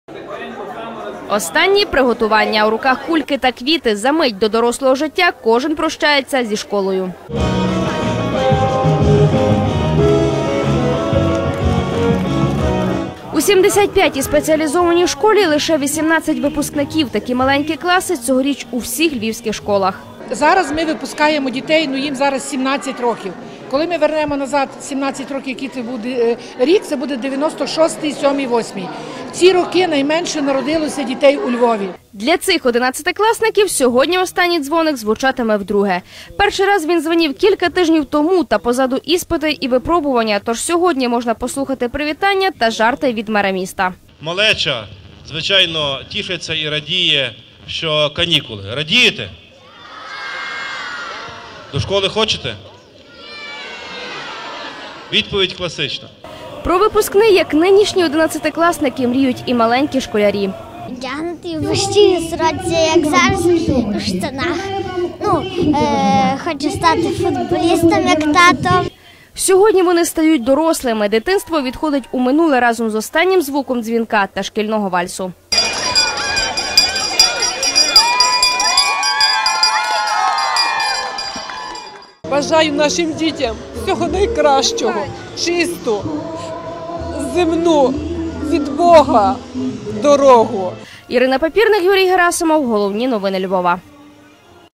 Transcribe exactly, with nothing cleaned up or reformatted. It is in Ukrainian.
Останні приготування. У руках кульки та квіти. За мить до дорослого життя кожен прощається зі школою. У сімдесят п'ятій спеціалізованій школі лише вісімнадцять випускників. Такі маленькі класи цьогоріч у всіх львівських школах. Зараз ми випускаємо дітей, ну їм зараз сімнадцять років. Коли ми вернемо назад сімнадцять років, який це буде рік, це буде дев'яносто шостий, сьомий, восьмий. В ці роки найменше народилося дітей у Львові. Для цих одинадцятикласників сьогодні останній дзвоник звучатиме вдруге. Перший раз він дзвонів кілька тижнів тому, та позаду іспити і випробування. Тож сьогодні можна послухати привітання та жарти від мера міста. Малеча, звичайно, тішиться і радіє, що канікули. Радієте? До школи хочете? Відповідь класична. Про випускний, як нинішні одинадцятикласники, мріють і маленькі школярі. Вдягнути в вищі сорочці, як зараз, у штанах. Ну, е, хочу стати футболістом, як тато. Сьогодні вони стають дорослими. Дитинство відходить у минуле разом з останнім звуком дзвінка та шкільного вальсу. Бажаю нашим дітям всього найкращого, чисту, земну, від Бога дорогу. Ірина Папірник, Юрій Герасимов. Головні новини Львова.